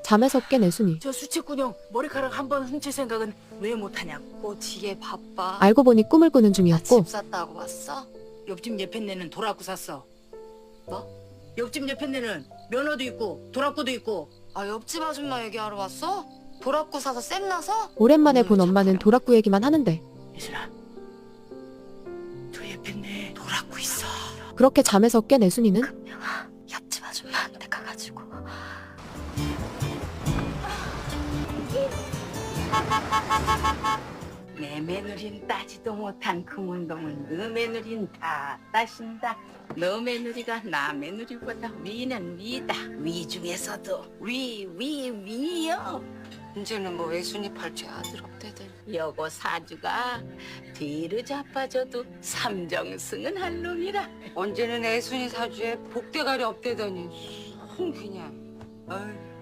잠에서 깬 애순이. 저 수채꾼형 머리카락 한 번 훔칠 생각은 왜 못하냐고. 지게 바빠. 알고 보니 꿈을 꾸는 나 중이었고 집 샀다고 왔어? 옆집 예편네는 도락구 샀어. 뭐? 옆집 예편네는 면허도 있고 도락구도 있고. 아, 옆집 아줌마 얘기하러 왔어? 도락구 사서 쌤 나서? 오랜만에 본 엄마는 도락구 얘기만 하는데 예순아, 저 예편네 도락구 있어. 그렇게 잠에서 깬 애순이는 옆집 아줌마한테 가가지고 내 며느린 따지도 못한 그 운동을 너 며느린 다 따신다. 너 며느리가 나 며느리보다 위는 위다. 위 중에서도 위요. 이제는 뭐 애순이 팔째 아들 없대들. 여고 사주가 뒤로 자빠져도 삼정승은 할 놈이라. 언제는 애순이 사주에 복대가리 없대더니 그냥. 어이.